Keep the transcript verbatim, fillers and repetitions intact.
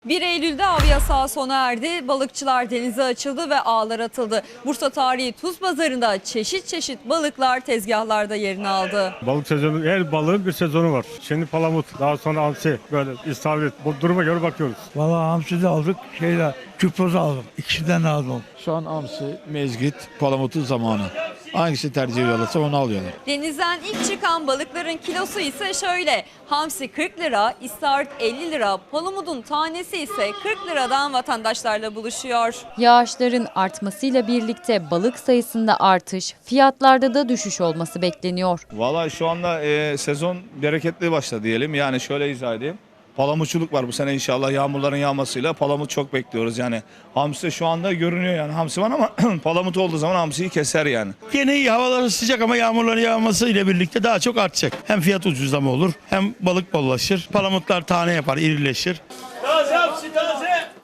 bir Eylül'de av yasağı sona erdi. Balıkçılar denize açıldı ve ağlar atıldı. Bursa tarihi Tuz Pazarı'nda çeşit çeşit balıklar tezgahlarda yerini aldı. Balık sezonu, her balığın bir sezonu var. Şimdi palamut, daha sonra hamsi, böyle istavrit. Bu duruma göre bakıyoruz. Vallahi hamsi de aldık, şeyle küprozu aldım. İkisinden de aldım. Şu an hamsi, mezgit, palamutun zamanı. Hangisi tercih ediyorlarsa onu alıyorlar. Denizden ilk çıkan balıkların kilosu ise şöyle. Hamsi kırk lira, istavrit elli lira, palamudun tanesi ise kırk liradan vatandaşlarla buluşuyor. Yağışların artmasıyla birlikte balık sayısında artış, fiyatlarda da düşüş olması bekleniyor. Valla şu anda e, sezon bereketli başladı diyelim. Yani şöyle izah edeyim. Palamutçuluk var bu sene inşallah yağmurların yağmasıyla. Palamut çok bekliyoruz yani. Hamsi de şu anda görünüyor yani. Hamsi var ama palamut olduğu zaman hamsiyi keser yani. Gene iyi, havaları sıcak ama yağmurların yağması ile birlikte daha çok artacak. Hem fiyat ucuzlama olur, hem balık bollaşır. Palamutlar tane yapar, irileşir. Taze hamsi taze.